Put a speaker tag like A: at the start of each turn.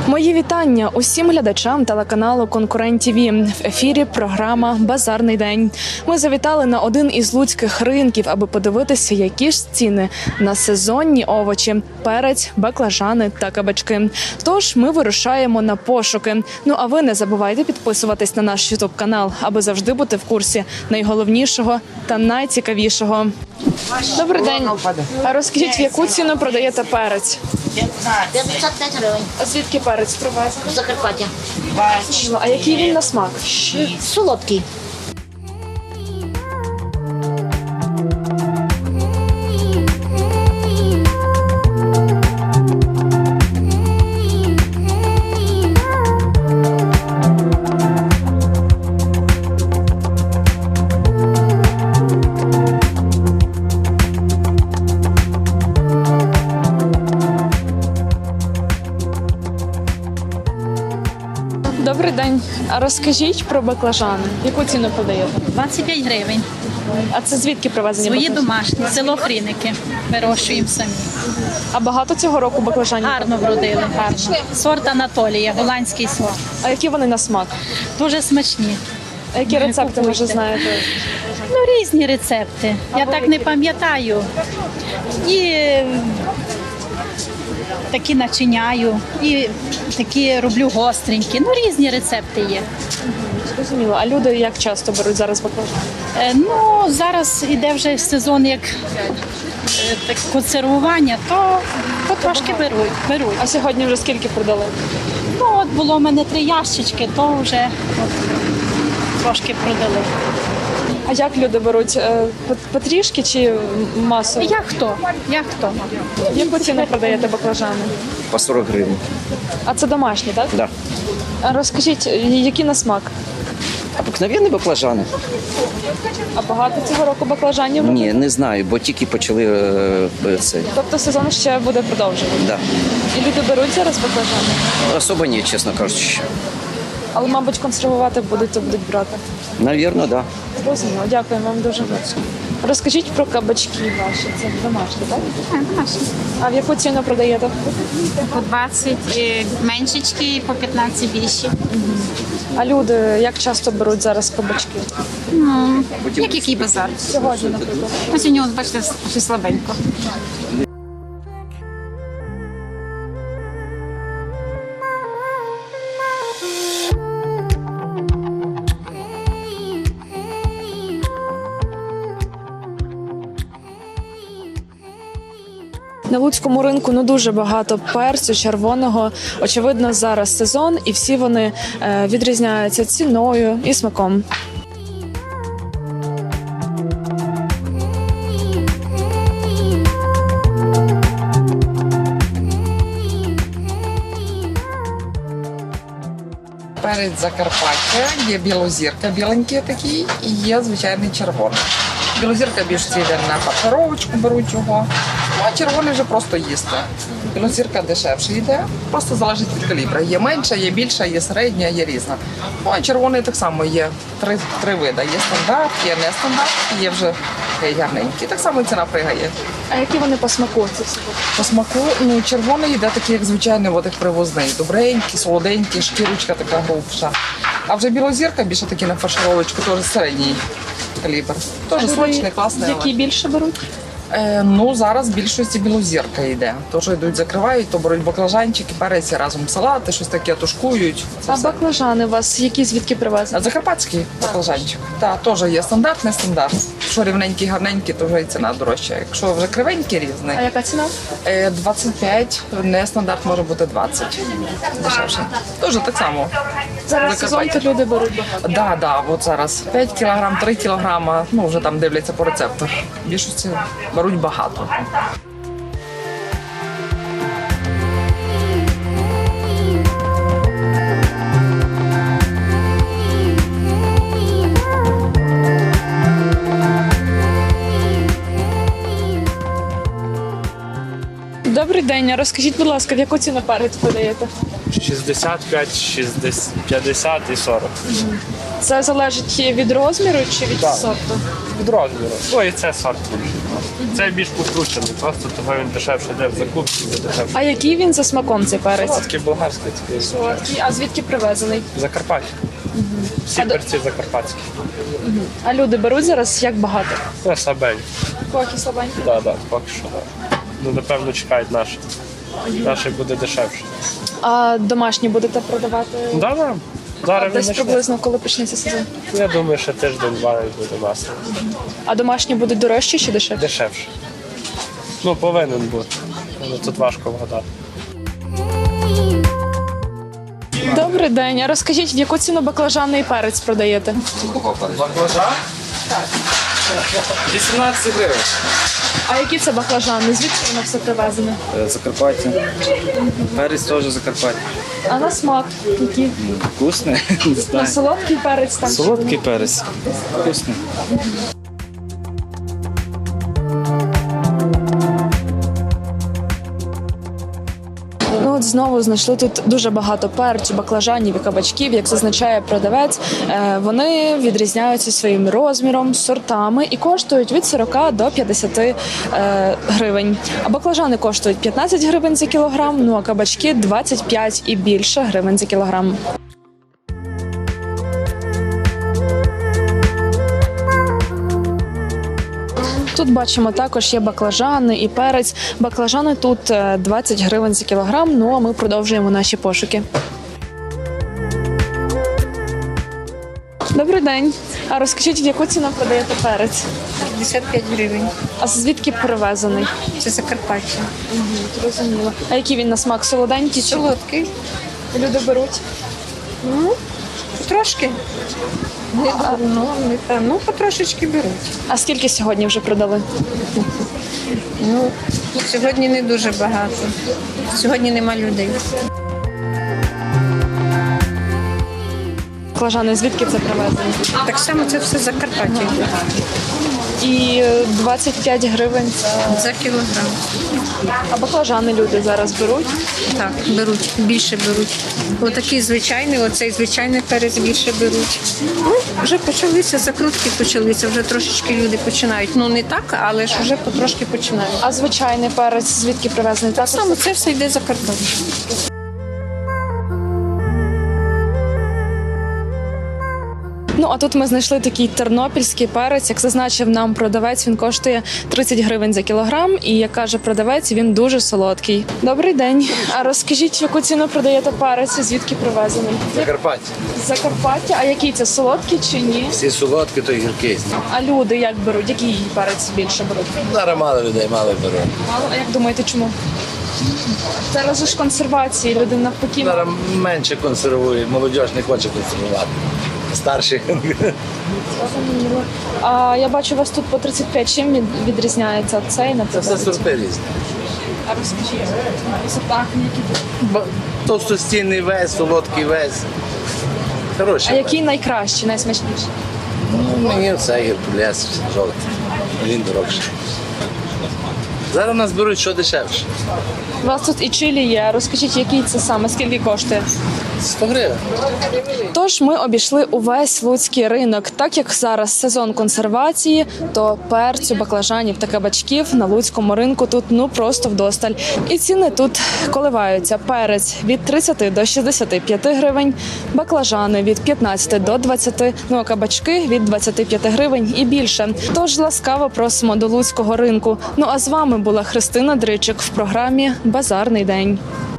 A: Мої вітання усім глядачам телеканалу «Конкурент ТВ». В ефірі програма «Базарний день». Ми завітали на один із луцьких ринків, аби подивитися, які ж ціни на сезонні овочі – перець, баклажани та кабачки. Тож ми вирушаємо на пошуки. Ну а ви не забувайте підписуватись на наш ютуб-канал, аби завжди бути в курсі найголовнішого та найцікавішого. Добрий день. А розкажіть, в яку ціну продаєте перець?
B: 505 гривень.
A: А звідки перець привезли?
B: З Закарпаття.
A: А який він на смак?
B: Солодкий.
A: Добрий день. А розкажіть про баклажани. Яку ціну продаєте?
C: 25 гривень.
A: А це звідки привезені
C: Свої
A: баклажани?
C: домашні, село Хріники. Вирощуємо самі.
A: А багато цього року баклажанів?
C: Гарно вродили, гарно. Сорт Анатолія, голландський сорт.
A: А які вони на смак?
C: Дуже смачні.
A: А які рецепти,
C: Купуйте.
A: може, знаєте?
C: Ну, різні рецепти. Я так не пам'ятаю. І такі начиняю, і такі роблю гостренькі. Ну, різні рецепти є.
A: Зрозуміло. А люди як часто беруть зараз баклажани?
C: Ну, зараз іде вже сезон як так, консервування, то трошки беруть.
A: А сьогодні вже скільки продали?
C: Ну, от було в мене 3 ящички, то вже трошки продали.
A: А як люди беруть? Потрішки чи масово?
C: Як хто?
A: Яку ціну продаєте баклажани?
D: По 40 гривень.
A: А це домашні, так?
D: Да.
A: А розкажіть, які на смак?
D: Обикновенні баклажани?
A: А багато цього року баклажанів?
D: Ні, не знаю, бо тільки почали це.
A: Тобто сезон ще буде продовжувати?
D: Да.
A: І люди беруть зараз баклажани?
D: Особо ні, чесно кажучи.
A: Але, мабуть, консервувати будуть, то будуть брати.
D: Навірно, да.
A: Зрозуміло. Дякую вам дуже. Розкажіть про кабачки ваші. Це домашні, так?
E: Домашні.
A: А в яку ціну продаєте?
E: По 20 меншечки, по 15 більші.
A: А люди як часто беруть зараз кабачки?
E: Як який базар?
A: Сьогодні, наприклад.
E: Ну, сьогодні, ось, бачите, щось слабенько.
A: На луцькому ринку дуже багато перцю червоного. Очевидно, зараз сезон, і всі вони відрізняються ціною і смаком.
F: Перець Закарпаття, є білозірка, біленький такий, і є звичайний червоний. Білозірка більш йде на фаршировочку, беруть його, ну а червоний вже просто їсти. Білозірка дешевше йде, просто залежить від калібра. Є менша, є більша, є середня, є різна. Ну а червоний так само є три види. Є стандарт, є нестандарт, є вже такий гарненький. Так само і ціна пригає.
A: А які вони по смаку? Ці всі?
F: По смаку, ну, червоний йде такий, як звичайний, от як привозний. Добренький, солоденький, шкірочка така грубша. А вже білозірка більше такі на фаршировочку, теж середній калібр. Теж смачний, класний. але-
A: Які більше беруть?
F: Ну, зараз в більшості білозірка йде. Тож йдуть, закривають, то беруть баклажанчики, перець, разом салати, щось таке тушкують. Це
A: А
F: все.
A: баклажани у вас які звідки привезли?
F: А закарпатський баклажанчик. Так, теж є стандарт, не стандарт. Якщо рівненький, гарненький, то вже і ціна дорожча. Якщо вже кривенький різний,
A: А яка ціна?
F: 25, не стандарт може бути 20. Дешевше. Дуже так само.
A: Зараз сезон, то
F: Закарпаття.
A: люди беруть багато.
F: Да, от зараз 5 кілограм, 3 кілограма, ну вже там дивляться по рецепту. В більшості беруть багато.
A: Добрий день. А розкажіть, будь ласка, в яку ціну перець подаєте?
G: 65, 60, 50 і 40.
A: Це залежить від розміру чи від
G: Так.
A: сорту?
G: Від розміру. Ну і це сорт. Це більш покручений, просто того він дешевше йде в закупці, де дешевше.
A: А який він за смаком цей перець?
G: Такий болгарський, такий
A: Солодкий. А звідки привезений?
G: Закарпаття. Всі
A: А до-
G: перці закарпатські.
A: А люди беруть зараз як багато?
G: Це сабень.
A: Поки слабенько.
G: Так, поки що. Да. Ну, напевно, чекають наші. Наші буде дешевше.
A: А домашні будете продавати?
G: Да. Зараз він
A: Десь
G: почне.
A: приблизно, коли почнеться сезон.
G: Я думаю, що тиждень-два і буде нас.
A: А домашні будуть дорожчі чи дешевші?
G: Дешевше. Ну, повинен бути. Але тут важко вгадати.
A: Добрий день. А розкажіть, в яку ціну баклажанний перець продаєте?
G: Баклажан? 18 гривень.
A: А які це баклажани? Звідки воно все привезене?
H: Закарпаття. Перець теж Закарпаття.
A: А на смак який?
H: Вкусний. Не
A: На
H: знаю.
A: солодкий перець там?
H: Солодкий перець. Вкусний.
A: Ну от знову знайшли тут дуже багато перцю, баклажанів і кабачків, як зазначає продавець. Вони відрізняються своїм розміром, сортами і коштують від 40 до 50 гривень. А баклажани коштують 15 гривень за кілограм, ну а кабачки 25 і більше гривень за кілограм. Тут бачимо також є баклажани і перець. Баклажани тут 20 гривень за кілограм. Ну а ми продовжуємо наші пошуки. Добрий день. А розкажіть, в яку ціну продаєте перець?
I: 55 гривень.
A: А звідки привезений?
I: Це Закарпаття.
A: Зрозуміло. А який він на смак? Солоденький чи
I: Солодкий.
A: люди беруть?
I: Потрошки. Ну, потрошечки беруть.
A: А скільки сьогодні вже продали?
I: Ну, сьогодні не дуже багато. Сьогодні нема людей.
A: Баклажани звідки це привезені?
I: Так само це все Закарпаття.
A: І 25 гривень це...
I: За кілограм.
A: А баклажани люди зараз беруть?
I: Так, беруть, більше беруть. Отакий звичайний, оцей звичайний перець більше беруть. Ну, вже почалися, закрутки почалися, вже трошечки люди починають. Ну, не так, але ж вже потрошки починають.
A: А звичайний перець звідки привезений?
I: Так само це все йде Закарпаття.
A: Ну, а тут ми знайшли такий тернопільський перець. Як зазначив нам продавець, він коштує 30 гривень за кілограм. І, як каже продавець, він дуже солодкий. Добрий день. А розкажіть, в яку ціну продаєте перець і звідки привезений?
J: Закарпаття.
A: З Закарпаття. А який це, солодкий чи ні?
J: Всі солодкі, то гіркий.
A: А люди як беруть? Який перець більше беруть?
J: Зараз мало людей, мало беруть.
A: Мало. А як думаєте, чому? Зараз же ж консервації, люди навпаки.
J: Зараз менше консервують, молодь не хоче консервувати. Старші.
A: А я бачу, у вас тут по 35. Чим відрізняється цей,
J: Це
A: наприклад?
J: все сорти різні.
A: А розкажіть, сорта, які?
J: Товстостінний весь, солодкий весь. Хороший.
A: А який найкращий, найсмачніший?
J: Ну, мені оце геркулес жовтий. Він дорогший. Зараз у нас беруть що дешевше.
A: У вас тут і чилі є. Розкажіть, який це саме, скільки коштує?
J: 100 гривень.
A: Тож ми обійшли увесь луцький ринок. Так як зараз сезон консервації, то перцю, баклажанів та кабачків на луцькому ринку тут ну просто вдосталь. І ціни тут коливаються. Перець від 30 до 65 гривень, баклажани від 15 до 20, ну а кабачки від 25 гривень і більше. Тож ласкаво просимо до луцького ринку. Ну а з вами була Христина Дричик в програмі «Базарний день».